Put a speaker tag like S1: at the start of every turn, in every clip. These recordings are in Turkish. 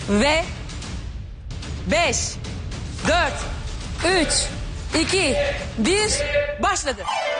S1: Ve 5, 4, 3, 2, 1 başladı.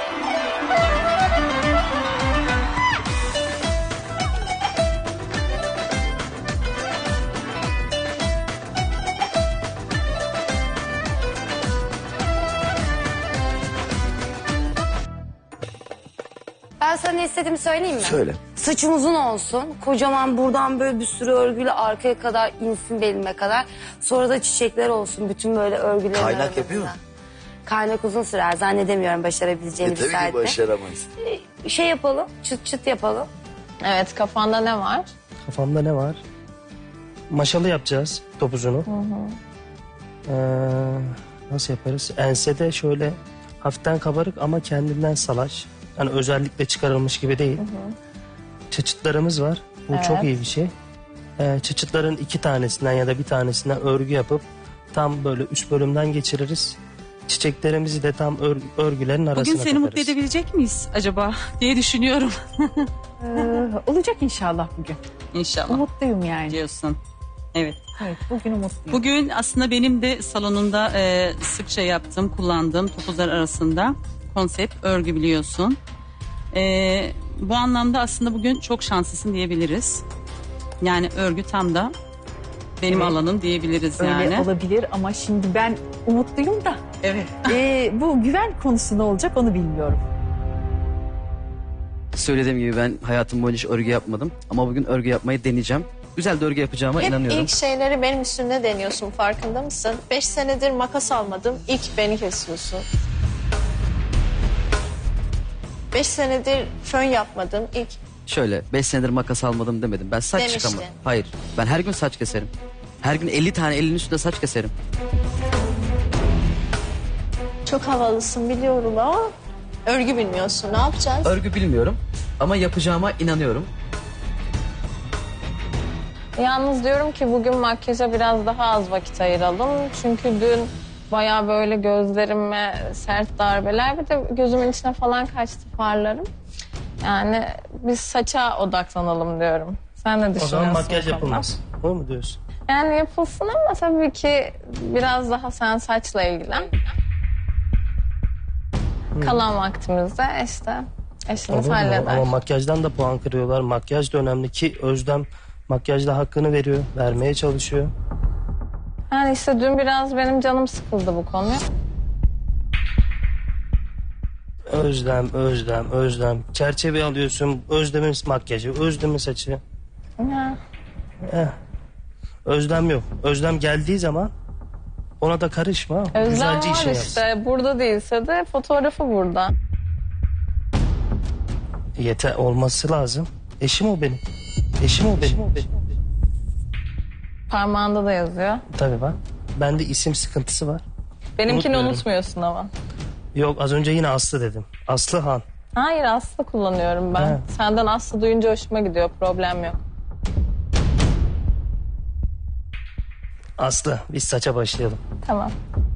S2: Ben sana ne istediğimi söyleyeyim mi?
S3: Söyle.
S2: Saçım uzun olsun. Kocaman buradan böyle bir sürü örgüyle arkaya kadar insin belime kadar. Sonra da çiçekler olsun bütün böyle örgülerin
S3: Kaynak
S2: arasında.
S3: yapıyor mu?
S2: Kaynak uzun sürer. Zannedemiyorum başarabileceğini bir
S3: Tabii ki
S2: saatte.
S3: başaramayız.
S2: Şey yapalım, çıt çıt yapalım.
S4: Evet, kafanda ne var?
S5: Kafamda ne var? Maşalı yapacağız topuzunu. Nasıl yaparız? Ensede şöyle hafiften kabarık ama kendinden salaş. Yani özellikle çıkarılmış gibi değil. Çıçıtlarımız var. Bu çok iyi bir şey. Çıçıtların 2 tanesinden ya da bir tanesinden örgü yapıp tam böyle üst bölümden geçiririz. Çiçeklerimizi de tam örgülerin arasına
S6: Bugün seni mutlu
S5: takarız.
S6: edebilecek miyiz acaba diye düşünüyorum.
S7: Olacak inşallah bugün.
S6: İnşallah
S7: Umutluyum yani.
S6: diyorsun. Evet.
S7: Evet, bugün umutluyum.
S6: Bugün aslında benim de salonunda sıkça yaptığım, kullandığım topuzlar arasında konsept örgü biliyorsun. Bu anlamda aslında bugün çok şanslısın diyebiliriz. Yani örgü tam da benim
S7: Evet.
S6: alanım diyebiliriz
S7: Öyle
S6: yani.
S7: olabilir ama şimdi ben umutluyum da
S6: Evet.
S7: bu güven konusu ne olacak onu bilmiyorum.
S8: Söylediğim gibi ben hayatım boyunca hiç örgü yapmadım. Ama bugün örgü yapmayı deneyeceğim. Güzel de örgü yapacağıma
S4: Hep
S8: inanıyorum.
S4: ilk şeyleri benim üstümde deniyorsun, farkında mısın? 5 senedir makas almadım, ilk beni kesiyorsun. 5 senedir fön yapmadım, ilk
S8: Şöyle 5 senedir makas almadım demedim. Ben saç
S4: Demiştin.
S8: çıkamam. Hayır. Ben her gün saç keserim. Her gün 50 tane elinin üstünde saç keserim.
S4: çok havalısın biliyorum ama örgü bilmiyorsun. Ne yapacağız?
S8: Örgü bilmiyorum ama yapacağıma inanıyorum.
S4: Yalnız diyorum ki bugün makyaja biraz daha az vakit ayıralım. Çünkü dün bayağı böyle gözlerime sert darbeler, bir de gözümün içine falan kaçtı farlarım. Yani biz saça odaklanalım diyorum. Sen ne
S5: O
S4: düşünüyorsun?
S5: zaman
S4: bu
S5: makyaj
S4: konuda?
S5: yapılmaz. O mu diyorsun?
S4: Yani yapılsın ama tabii ki biraz daha sen saçla ilgilen. Kalan vaktimizde işte eşimiz
S5: Olur mu?
S4: halleder.
S5: Ama makyajdan da puan kırıyorlar. Makyaj da önemli ki Özlem makyajda hakkını veriyor. Vermeye çalışıyor.
S4: Yani işte dün biraz benim canım sıkıldı bu konuya.
S5: Özlem. Çerçeve alıyorsun. Özlem'in makyajı, Özlem'in saçı.
S4: Ya.
S5: Özlem yok. Özlem geldiği zaman ona da karışma.
S4: Özlem
S5: Güzelce
S4: var
S5: işini yapsın.
S4: işte. Burada değilse de fotoğrafı burada.
S5: Yeter olması lazım. Eşim o benim. Eşim o benim.
S4: Parmağında da yazıyor.
S5: Tabii bak. Bende isim sıkıntısı var.
S4: Benimkini
S5: Unutmuyorum.
S4: unutmuyorsun ama.
S5: Yok az önce yine Aslı dedim. Aslı Han.
S4: Hayır, Aslı kullanıyorum ben.
S5: He.
S4: Senden Aslı duyunca hoşuma gidiyor. Problem yok.
S5: Aslı biz saça başlayalım.
S4: Tamam.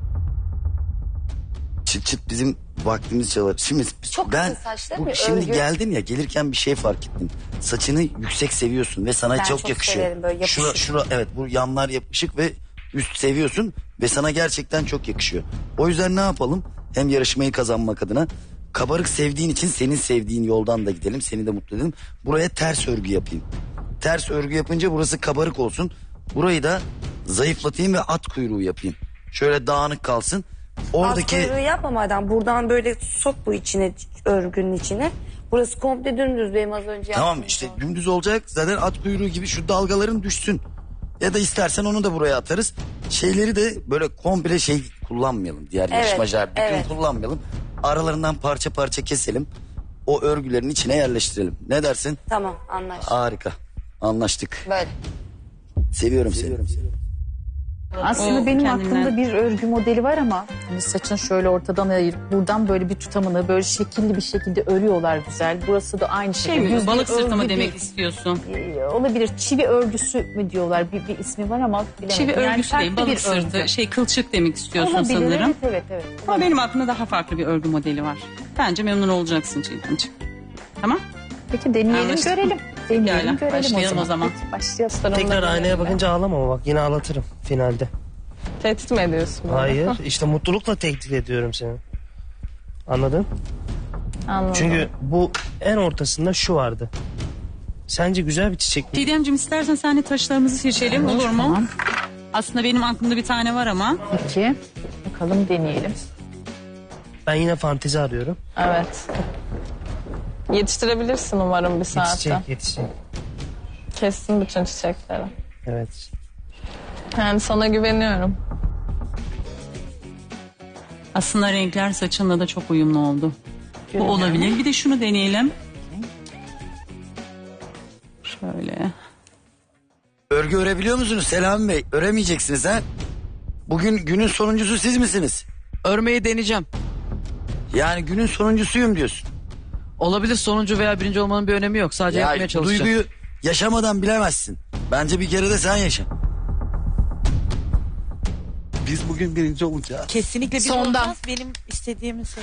S3: Çıt çıt bizim vaktimiz çalar. Şimdi
S2: Çok
S3: ben
S2: kısa saç değil mi?
S3: şimdi
S2: Örgü.
S3: geldim ya, gelirken bir şey fark ettim. Saçını yüksek seviyorsun ve sana
S2: Ben
S3: çok
S2: çok
S3: yakışıyor.
S2: severim böyle yapışık.
S3: Şura evet, bu yanlar yapışık ve üst seviyorsun ve sana gerçekten çok yakışıyor. O yüzden ne yapalım? Hem yarışmayı kazanmak adına, kabarık sevdiğin için senin sevdiğin yoldan da gidelim. Seni de mutlu edelim. Buraya ters örgü yapayım. Ters örgü yapınca burası kabarık olsun. Burayı da zayıflatayım ve at kuyruğu yapayım. Şöyle dağınık kalsın. Oradaki
S2: At kuyruğu yapma madem. Buradan böyle sok bu içine, örgünün içine. Burası komple dümdüz benim az önce
S3: tamam
S2: yaptığım
S3: işte
S2: gibi.
S3: dümdüz olacak. Zaten at kuyruğu gibi şu dalgaların düşsün. Ya da istersen onu da buraya atarız. Şeyleri de böyle komple şey kullanmayalım. Diğer yarışmacılar bütün
S2: evet.
S3: kullanmayalım. Aralarından parça parça keselim. O örgülerin içine yerleştirelim. Ne dersin?
S2: Tamam anlaştık.
S3: Harika. Anlaştık.
S2: Böyle.
S3: Seviyorum seni.
S7: Aslında
S6: O
S7: benim
S6: kendinden-
S7: aklımda bir örgü modeli var ama hani saçını şöyle ortadan ayırıp buradan böyle bir tutamını böyle şekilli bir şekilde örüyorlar güzel. Burası da aynı
S6: Şey
S7: şekilde.
S6: mi?
S7: Düz bir
S6: Balık sırtı mı
S7: örgü
S6: demek
S7: değil.
S6: istiyorsun?
S7: Olabilir. Çivi örgüsü mü diyorlar? Bir ismi var ama bilemedim.
S6: Çivi
S7: Yani
S6: örgüsü değil,
S7: farklı
S6: balık
S7: bir
S6: sırtı,
S7: örgü.
S6: kılçık demek istiyorsun
S7: Olabilir,
S6: sanırım.
S7: evet.
S6: Ama benim aklımda daha farklı bir örgü modeli var. Bence memnun olacaksın Çiğdemciğim. Tamam?
S7: Peki deneyelim
S6: Anlaştık mı?
S7: görelim. Deneyelim,
S6: Pekala,
S7: görelim
S6: başlayalım o zaman.
S7: Peki, başlayalım.
S5: Tekrar aynaya bakınca ağlama bak, yine ağlatırım finalde.
S4: Tehdit mi ediyorsun? beni?
S5: Hayır, işte mutlulukla tehdit ediyorum seni. Anladın?
S4: Anladım.
S5: Çünkü bu en ortasında şu vardı. Sence güzel bir çiçek mi?
S6: Didemciğim istersen senle taşlarımızı seçelim, olur mu?
S7: Tamam.
S6: Aslında benim aklımda bir tane var ama.
S7: Peki. Bakalım deneyelim.
S5: Ben yine fantezi arıyorum.
S4: Evet. Yetiştirebilirsin umarım bir saatte.
S5: Yetişecek, yetişecek.
S4: Kessin bütün çiçekleri.
S5: Evet.
S4: Yani sana güveniyorum.
S6: Aslında renkler saçınla da çok uyumlu oldu. Bu olabilir. Bir de şunu deneyelim. Şöyle.
S3: Örgü örebiliyor musunuz Selami Bey? Öremeyeceksiniz ha? Bugün günün sonuncusu siz misiniz?
S8: Örmeyi deneyeceğim.
S3: Yani günün sonuncusuyum diyorsun.
S8: Olabilir, sonuncu veya birinci olmanın bir önemi yok. Sadece yapmaya
S3: bu
S8: çalışacağım.
S3: duyguyu yaşamadan bilemezsin. Bence bir kere de sen yaşa. Biz bugün birinci olacağız.
S9: Kesinlikle bir
S7: Sondan.
S9: olmaz. Benim istediğimi seç.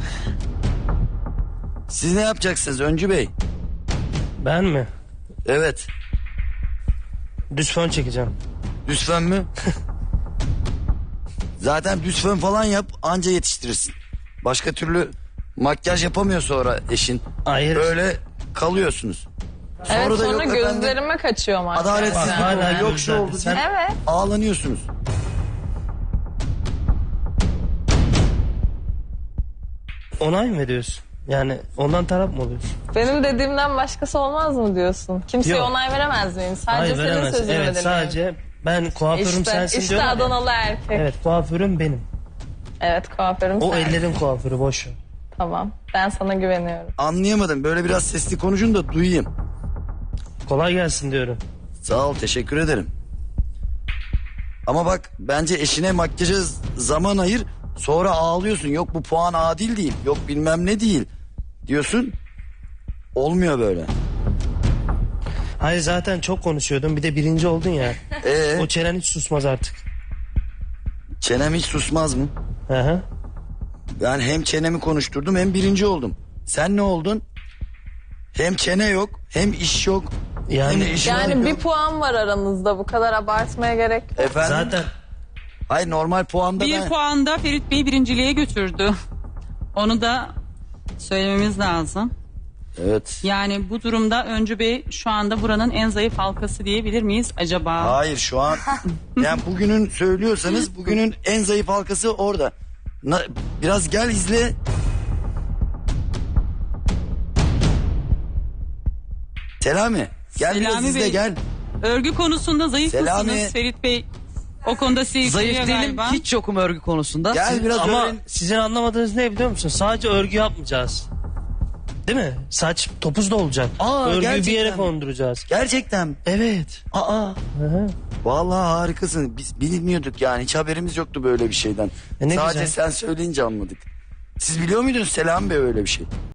S3: Siz ne yapacaksınız Öncü Bey?
S5: Ben mi?
S3: Evet.
S5: Düz fön çekeceğim.
S3: Düz fön mü? Zaten düz fön falan yap anca yetiştirirsin. Başka türlü makyaj yapamıyor sonra eşin.
S5: Hayır.
S3: Öyle kalıyorsunuz.
S4: Evet
S3: da
S4: sonra
S3: yok efendim,
S4: gözlerime kaçıyor makyaj.
S3: adaletsizlik
S5: Bak, hala
S3: oldu, yok şu
S5: gözlerde.
S3: oldu
S5: Sen-
S3: diye
S4: Evet.
S3: ağlanıyorsunuz.
S5: Onay mı veriyorsun? Yani ondan taraf mı oluyorsun?
S4: Benim dediğimden başkası olmaz mı diyorsun? Kimseye
S5: Yok.
S4: onay veremez miyim? Sadece
S5: Hayır,
S4: senin
S5: veremez.
S4: sözünü
S5: Evet,
S4: dinleyeyim.
S5: sadece ben kuaförüm sensin
S4: İşte
S5: diyorum ya.
S4: Adanalı erkek. Evet,
S5: Evet, kuaförüm benim.
S4: kuaförüm
S5: O
S4: sen.
S5: ellerin kuaförü, boş ver.
S4: Tamam. Ben sana güveniyorum.
S3: Anlayamadım. Böyle biraz sesli konuşun da duyayım.
S5: Kolay gelsin diyorum.
S3: Sağ ol, teşekkür ederim. Ama bak bence eşine makyaja zaman ayır. Sonra ağlıyorsun. Yok bu puan adil değil. Yok bilmem ne değil. Diyorsun. Olmuyor böyle.
S5: Hayır, zaten çok konuşuyordun, bir de birinci oldun ya. O çenen hiç susmaz artık.
S3: Çenem hiç susmaz mı?
S5: Hı hı.
S3: Ben hem çenemi konuşturdum hem birinci oldum. Sen ne oldun? Hem çene yok hem iş yok.
S5: Yani-
S3: hem iş
S4: Yani
S3: yok.
S4: bir puan var aranızda. Bu kadar abartmaya gerek yok.
S3: Efendim?
S5: Zaten
S3: Hayır normal puanda
S6: Bir
S3: ben...
S6: puanda Ferit Bey birinciliğe götürdü. Onu da söylememiz lazım.
S3: Evet.
S6: Yani bu durumda Öncü Bey şu anda buranın en zayıf halkası diyebilir miyiz acaba?
S3: Hayır şu an yani bugünün söylüyorsanız bugünün en zayıf halkası orada. Biraz gel izle. Selami gel biraz
S6: Selami
S3: izle
S6: Bey,
S3: gel.
S6: Örgü konusunda zayıf
S3: Selami.
S6: mısınız Ferit Bey? O konuda sizi
S8: Zayıf
S6: yükleniyor
S8: değilim,
S6: galiba.
S8: hiç yokum örgü konusunda.
S3: Gel biraz
S5: ama
S3: öğren.
S5: sizin anlamadığınız ne biliyor musun? Sadece örgü yapmayacağız. Değil mi? Saç topuz da olacak.
S3: Aa,
S5: Örgüyü bir
S3: gerçekten
S5: yere
S3: mi?
S5: konduracağız.
S3: Gerçekten mi?
S5: Evet.
S3: Aa.
S5: Hı hı.
S3: Vallahi harikasın. Biz bilmiyorduk yani. Hiç haberimiz yoktu böyle bir şeyden.
S5: Ne
S3: Sadece
S5: güzel.
S3: sen söyleyince anladık. Siz biliyor muydunuz Selami Bey öyle bir şey?